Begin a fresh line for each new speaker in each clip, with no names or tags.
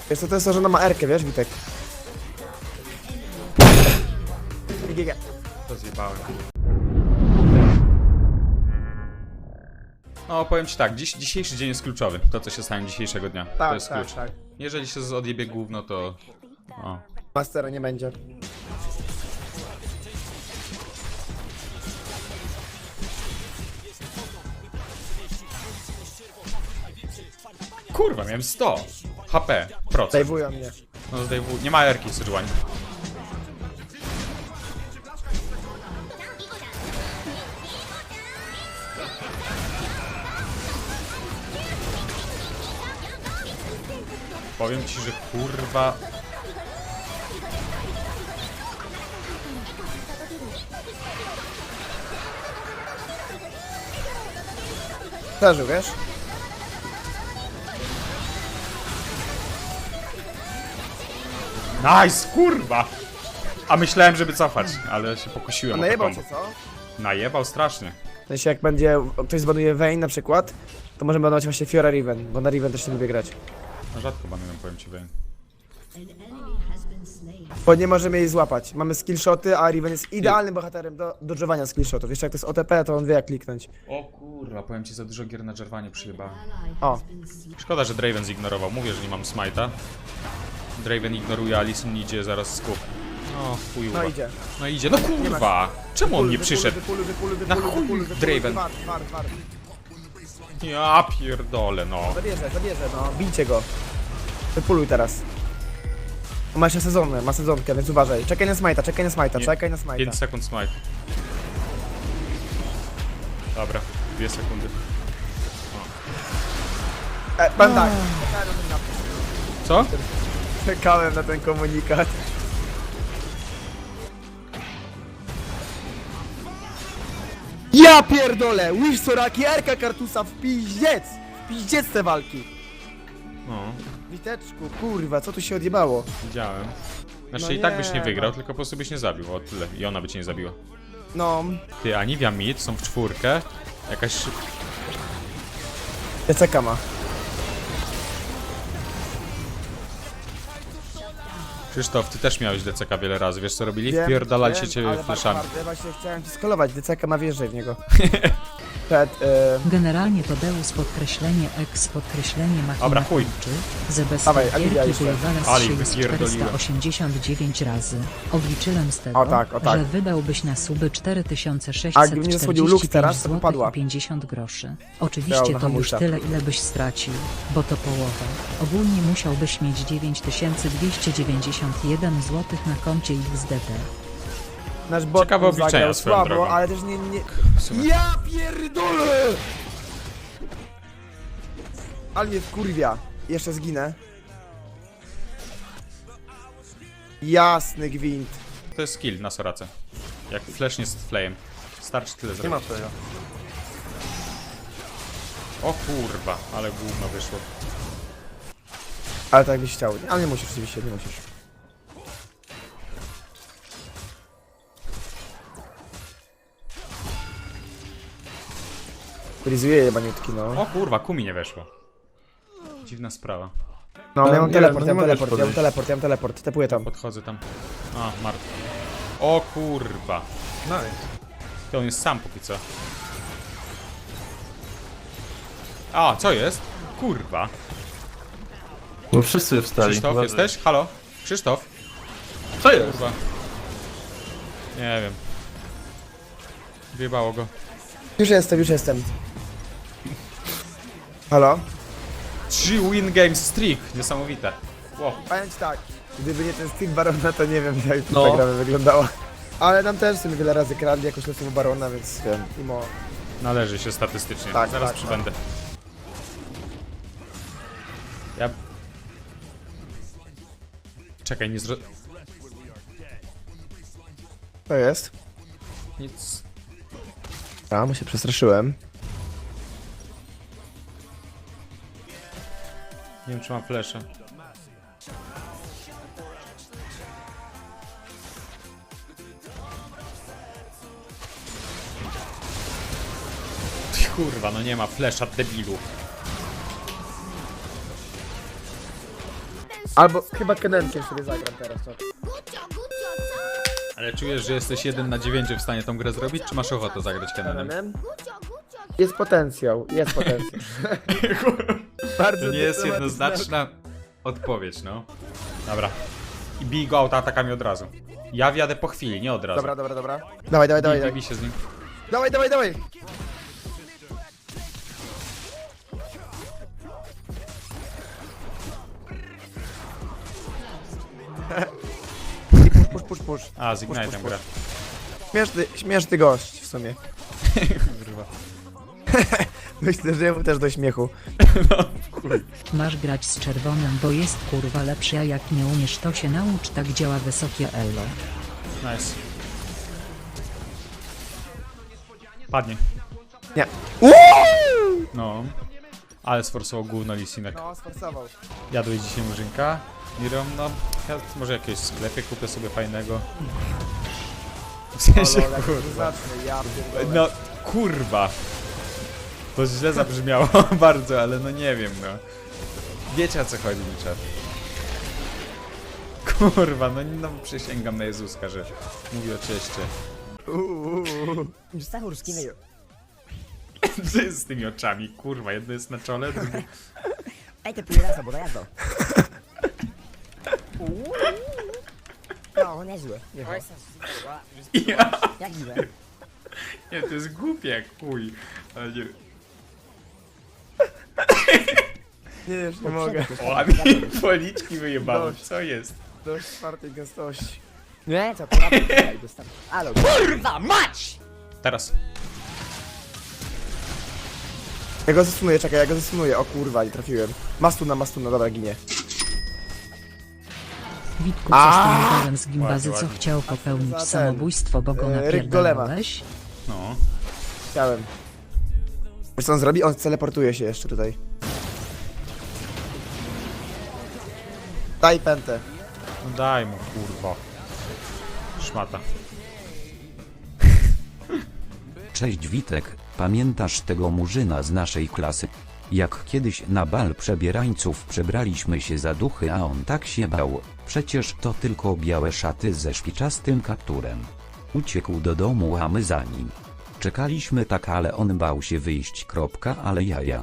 Wiesz co, to jest to, że ona ma R-kę, wiesz, Witek? GG.
To zjebałem. No, powiem ci tak, dzisiejszy dzień jest kluczowy. To, co się stanie dzisiejszego dnia. To jest klucz.
Tak.
Jeżeli się odjebie gówno, to... O.
Mastera nie będzie.
Kurwa, miałem 100 HP, procent.
Dajwują mnie.
No, zdejmuj. Nie ma erki, Sejuani. Powiem ci, że kurwa...
Przeżył, wiesz?
Nice, kurwa! A myślałem, żeby cofać, ale się
A
pokusiłem o to
najebał
combo.
cię, co?
Najebał strasznie.
W sensie jak będzie, ktoś zbanuje Vayne na przykład, to możemy banować właśnie Fiora Riven, bo na Riven też nie lubię grać.
No rzadko banuję, powiem ci, Vayne.
Bo nie możemy jej złapać. Mamy skillshoty, a Riven jest idealnym bohaterem do dodżowania skillshotów. Jeszcze jak to jest OTP, to on wie jak kliknąć.
O kurwa, powiem ci, za dużo gier na Jarvanie przyjebałem.
O,
Szkoda, że Draven zignorował. Mówię, że nie mam smite'a. Draven ignoruje, Alisyn idzie zaraz z kup. No chuj.
no idzie.
No idzie, no kurwa! Czemu on nie przyszedł? Na chuj, Draven.
War.
Ja pierdolę, no.
Zabierze, no. Bijcie go. Wypuluj teraz. On ma jeszcze sezonę, ma sezonkę, więc uważaj. Czekaj na smite'a, czekaj na
5
smite'a.
sekund smite. Dobra, 2 sekundy.
Bandai.
Co?
Czekałem na ten komunikat. Ja pierdolę! Wish Soraki, Erka Kartusa w pizdziec! W pizdziec te walki!
No,
Witeczku, kurwa, co tu się odjebało?
widziałem. Znaczy
No
i tak byś
nie,
nie wygrał,
no.
tylko po prostu byś nie zabił, o tyle. I ona by cię nie zabiła.
No,
Ty, Anivia Mid są w czwórkę. Jakaś...
DCK ma.
Krzysztof, ty też miałeś DCK wiele razy, wiesz co robili?
Wiem,
Wpierdalali
wiem,
cię
ale
fleszami.
bardzo, właśnie chciałem ci skolować, DCK ma wjeżdżaj w niego. Przed,
Generalnie Tadeusz podkreślenie X podkreślenie machina
Dobra, chuj.
kończy, że bez
Dawaj, Aliwia
wielki
jeszcze.
wywala
Ali,
z siebie z
wypierdoliłem.
489 razy. Obliczyłem z tego,
O tak, o tak.
że wydałbyś na suby 4640
A gdybym nie schodził Lux teraz, to by padła.
zł 50 groszy.
Miał
Oczywiście
na
to już
hamulcach.
tyle, ile byś stracił, bo to połowa. Ogólnie musiałbyś mieć 9291 zł na koncie XDP.
nasz bot
Ciekawe obliczenia
zagrał
swoją
słabo,
drogą.
ale też nie...
W sumie.
Ja pierdolę! Ale mnie wkurwia. Jeszcze zginę. Jasny gwint.
To jest skill na Sorace. Jak flashnie z flayem. Starczy tyle zrobić.
Nie ma tego.
O kurwa, ale gówno wyszło.
Ale tak byś chciał. Ale nie musisz, oczywiście, nie musisz. Frizuje jebaniutki, no.
O kurwa, Kumi nie weszło. Dziwna sprawa.
No, ja mam
nie,
teleport,
no
ja
nie
mam
możesz
teleport, ja mam
podejść.
teleport, ja mam teleport. Tepuję tam.
Podchodzę tam. A, martwy. O kurwa.
Nice.
To on jest sam póki co. A, co jest? Kurwa.
No wszyscy wstali.
Krzysztof,
Uważaj.
jesteś? Halo? Krzysztof?
Co jest?
Kurwa. Nie wiem. Wyjebało go.
Już jestem. Halo?
3 win games streak. Niesamowite. Wow.
Powiem ci tak, gdyby nie ten Steve Barona, to nie wiem jak
No.
ta gra by wyglądała. Ale nam też sobie wiele razy kradli jakoś losową Barona, więc wiem, mimo...
Należy się statystycznie.
Tak,
Zaraz
tak,
przybędę. Ja... Czekaj, nie
To jest?
Nic.
A, bo się przestraszyłem.
Nie wiem, czy mam flesze. Kurwa, no nie ma flesza, debilu.
Albo chyba Kenenkiem sobie zagram teraz, czat.
Ale czujesz, że jesteś 1 na 9 w stanie tą grę zrobić, czy masz ochotę zagrać Kenenem?
Kenenem? Jest potencjał, jest potencjał. Bardzo
To nie jest
dyplomatyczne.
jednoznaczna odpowiedź, no. Dobra. I bij go autoatakami od razu. Ja wjadę po chwili, nie od razu.
Dobra, dobra, dobra. Dawaj, dawaj, dawaj,
Bij
dawaj.
się z nim.
Dawaj, dawaj, dawaj. I push, push, push, push.
A, z Ignite'em gra.
Śmieszny gość w sumie.
Kurwa.
Myślę, że jemu też do śmiechu.
Masz grać z czerwonym, bo jest kurwa lepszy, a jak nie umiesz to się naucz, tak działa wysokie elo.
Nice. Padnie.
Nie.
No. Ale sforsował gówno Lisinek.
No, sforsował.
Jadłeś dzisiaj murzynka? Mirom, no. Ja może jakieś sklepie kupię sobie fajnego. W sensie,
O, lol, jak to
kurwa.
zacznę, ja pierdolę.
No, kurwa. To źle zabrzmiało bardzo, ale no nie wiem, no. Wiecie o co chodzi mi czat. Kurwa, no przysięgam na Jezuska, że mówi o cieście.
Stachurski myju.
Co jest z tymi oczami? Kurwa, jedno jest na czole, drugie...
Ej, te pirasa, bo dojazdo. No, niezłe.
Ja,
Jak miłe.
nie, to jest głupie jak chuj. Ale nie...
Nie, już nie mogę.
O, a mi policzki wyjebało, co jest?
Dość czwartej gęstości.
Nie, co, kurwa, tutaj dostanę. Alo, kurwa, mać!
Teraz.
Ja go zesunuję, czekaj, ja go zesunuję. O kurwa, nie trafiłem. Mastuna, dobra, ginie.
Witku, coś tym gadem z
Ładnie,
gimbazy, co
ładnie.
chciał popełnić
Za ten,
samobójstwo, bo go
Ryk Golema.
napierdalałeś?
No.
Chciałem. Wiesz co on zrobi? On teleportuje się jeszcze tutaj. Daj pętę.
No daj mu, kurwa. Szmata.
Cześć Witek, pamiętasz tego murzyna z naszej klasy? Jak kiedyś na bal przebierańców przebraliśmy się za duchy, a on tak się bał, przecież to tylko białe szaty ze szpiczastym kapturem. Uciekł do domu, a my za nim. Czekaliśmy tak, ale on bał się wyjść. Ale jaja.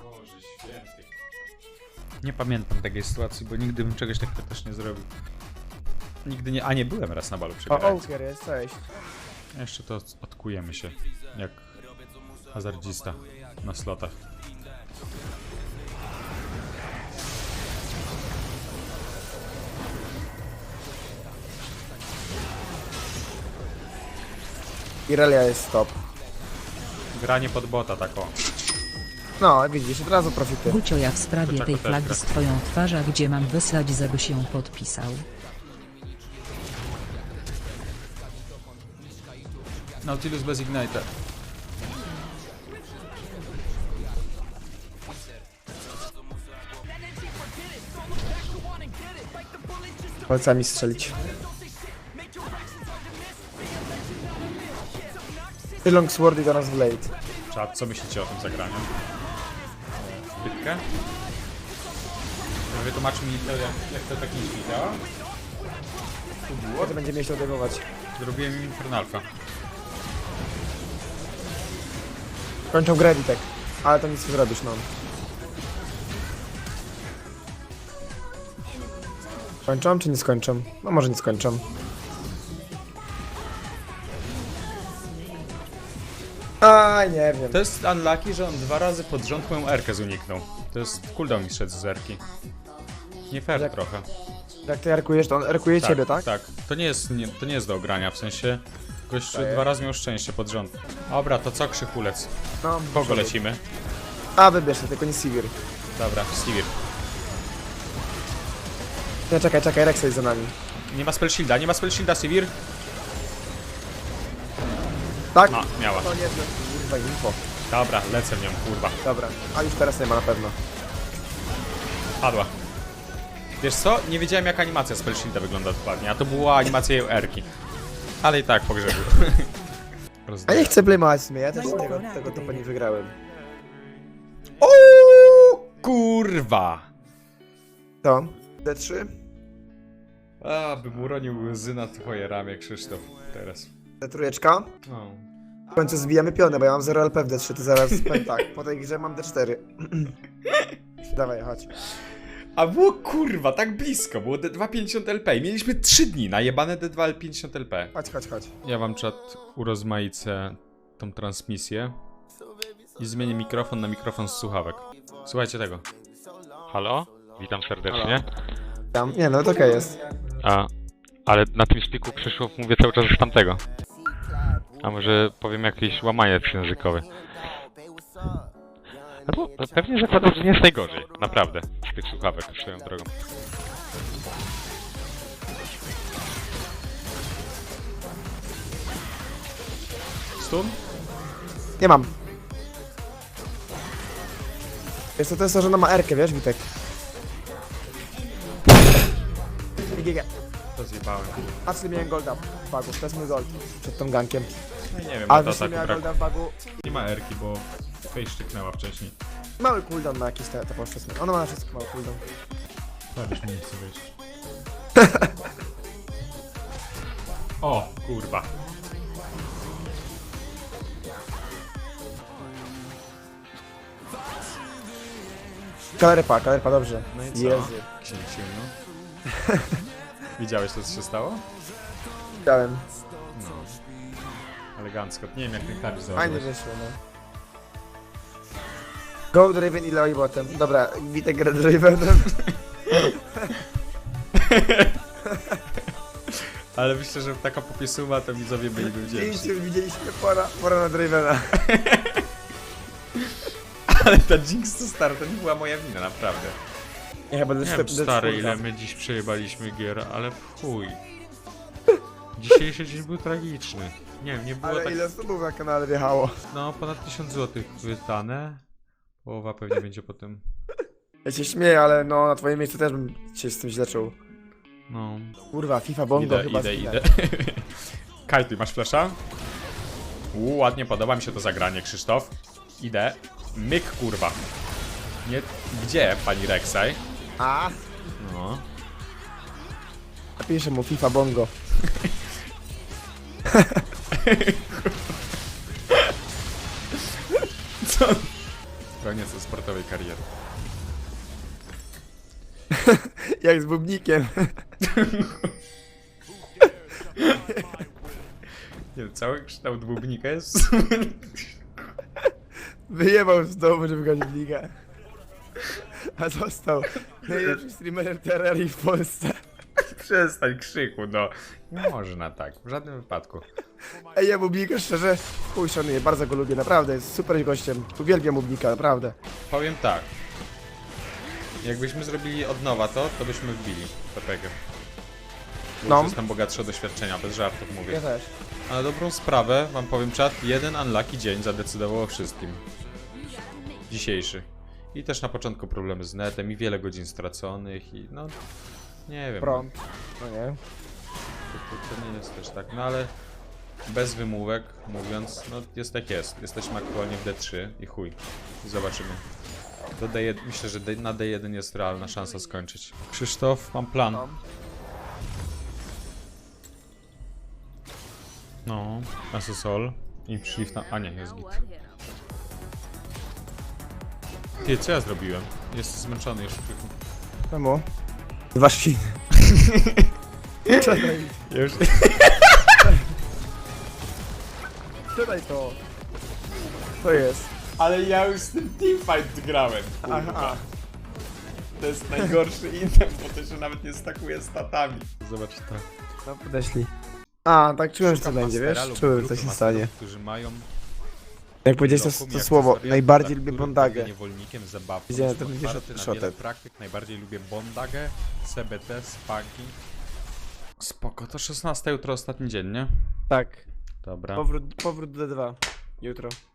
Nie pamiętam takiej sytuacji, bo nigdy bym czegoś takiego też nie zrobił. Nigdy nie... A nie, byłem raz na balu
O,
przebierającym.
Oaker jest, cześć.
Jeszcze to odkujemy się. Jak hazardzista na slotach.
Irelia jest stop.
Granie pod bota, tak o.
No, widzisz, od razu profity.
Gucio, ja w sprawie
Kurczak,
tej
to też
flagi
gra.
z twoją twarzą, gdzie mam wysłać, żeby się podpisał.
Nautilus bez Ignite'a.
Palcami strzelić. Longsword i do nas Blade.
Czad, co myślicie o tym zagraniu? Zbytkę? Wytłumacz mi, jak to tak nie działa.
To będzie mnie się odejmować.
Zrobiłem Infernalka.
Kończą grę Witek. Ale to nic nie zrobisz, no. Kończą czy nie skończą? No może nie skończą. Aj, nie wiem.
To jest unlucky, że on 2 razy pod rząd moją Erkę uniknął. To jest cooldown mi szedł z Erki. Nie fair
Jak-
trochę.
Jak ty erkujesz, to on erkuje ciebie, tak?
Tak. To nie jest do ogrania, w sensie... Gościu 2 razy miał szczęście pod rząd. Dobra, to co Krzychulec?
No,
Kogo lecimy?
A, wybierz się, tylko nie Sivir.
Dobra, Sivir.
Nie, czekaj, Rexa jest za nami.
Nie ma spell shielda, Sivir?
Tak?
A, miała.
To nie, kurwa, info.
Dobra, lecę w nią, kurwa.
Dobra, a już teraz nie ma na pewno.
Padła. Wiesz co? Nie wiedziałem jak animacja spell shielda wygląda dokładnie, a to była animacja jej Erki. Ale i tak pogrzebił.
A nie chcę blame'ować w sumie, ja też tego topa nie wygrałem.
O kurwa!
To? D3?
A, bym uronił łzy na twoje ramię, Krzysztof. Teraz.
Trójeczka.
No.
W końcu zbijamy pionę, bo ja mam 0 LP w D3, to zaraz powiem tak. Po tej grze mam D4. Dawaj, chodź.
A było kurwa, tak blisko, było D2 50 LP i mieliśmy 3 dni na jebane D2 50 LP.
Chodź.
Ja wam czat urozmaicę tą transmisję i zmienię mikrofon na mikrofon z słuchawek. Słuchajcie tego.
Halo? Witam serdecznie.
Nie, no to okej jest.
Ale na tym spiku Krzysztof mówię cały czas z tamtego. A może powiem jakiś łamaniec językowy. No bo pewnie zakładam, że nie jest najgorzej. Naprawdę. Z tych słuchawek swoją drogą.
Stun?
Nie mam. Wiesz co, to jest to, że ona ma R-kę, wiesz, Witek? GG.
To zjebałem.
Actually miałem golda w bagu, to jest mój gold przed tą gankiem.
No i nie wiem,
A
to
wiesz, co
ataku
miała
brak.
golda w bagu?
Nie ma erki, bo face szczyknęła wcześniej.
Mały cooldown na jakieś te poszczesne. Ona ma na wszystko mały cooldown.
Prawie mi nie chce wyjść. O, kurwa.
Kalerypa, dobrze.
No i co?
Jezu.
Księciu, no. Widziałeś to, co się stało?
Widziałem.
No. Elegancko. Nie wiem, jak ten klawisz
Fajnie
założyłeś.
wyszło, no. Go Draven i Leoi botem. Dobra, Witek gra Dravenem.
Ale myślę, że taka popisuwa to widzowie byliby wdzięczni.
Widzieliśmy pora na Dravena.
Ale ta Jinx to stara, to nie była moja wina, naprawdę.
Nie, chyba
Nie wiem, stary, ile my dziś przejebaliśmy gier, ale w chuj. Dzisiejszy dzień był tragiczny. Nie wiem, nie było
Ale
tak...
ile subów na kanale wjechało?
No, ponad 1000 zł wydane. Połowa pewnie będzie potem.
Ja się śmieję, ale no na twoim miejscu też bym się z tym źle czuł.
No.
Kurwa, FIFA Bongo chyba
Idę.
zginę.
Kaj, ty masz flasha? Ładnie, podoba mi się to zagranie, Krzysztof. Idę. Myk, kurwa. Nie... Gdzie, pani Rek'Sai?
A,
No.
napiszę mu FIFA Bongo.
Co? Koniec sportowej kariery.
Jak z bubnikiem.
Nie wiem, cały kształt bubnika jest...
Wyjebał z domu, żeby grać w ligę. A został najlepszym streamerem Terrarii w Polsce.
Przestań krzyku, no. Nie można tak, w żadnym wypadku.
Ej, ja Bubnika szczerze chuj szanuję, bardzo go lubię, naprawdę, jest super gościem. Uwielbiam Bubnika, naprawdę.
Powiem tak. Jakbyśmy zrobili od nowa to byśmy wbili PPG.
No.
Jestem bogatszy o doświadczenia, bez żartów mówię.
Ja też.
A na dobrą sprawę, wam powiem czat, jeden unlucky dzień zadecydował o wszystkim. Dzisiejszy. I też na początku problemy z netem i wiele godzin straconych i no... Nie wiem.
Prąd. No nie.
To nie jest też tak, no ale... Bez wymówek mówiąc, no jest jak jest. Jesteśmy aktualnie w D3 i chuj. Zobaczymy. Do D1, myślę, że na D1 jest realna szansa skończyć. Krzysztof, mam plan.
No.
No, Asusol. I shift na... A nie, jest git. Ty, co ja zrobiłem? Jestem zmęczony już.
Czemu? Dwa świny. Czekaj,
Ja już...
czekaj to. To jest.
Ale ja już z tym teamfight grałem, kurwa.
Aha.
To jest najgorszy item, bo to się nawet nie stakuje statami. Zobacz to.
No podeszli. A, tak czułem, że to
Szukam
będzie,
mastera
wiesz?
lub
Czułem, że
grupy
to się
masterów,
stanie.
którzy mają
Jak powiedziałeś
lokum
to
i
słowo,
akcesoria,
najbardziej
dla
lubię
których
Bondagę.
będę niewolnikiem zabawką.
Widziałem,
Jestem
to będzie
otwarty na
shotet.
wiele praktyk, najbardziej lubię Bondagę, CBT, Spagi. Spoko, to 16 jutro ostatni dzień, nie?
Tak.
Dobra.
Powrót do D2. Jutro.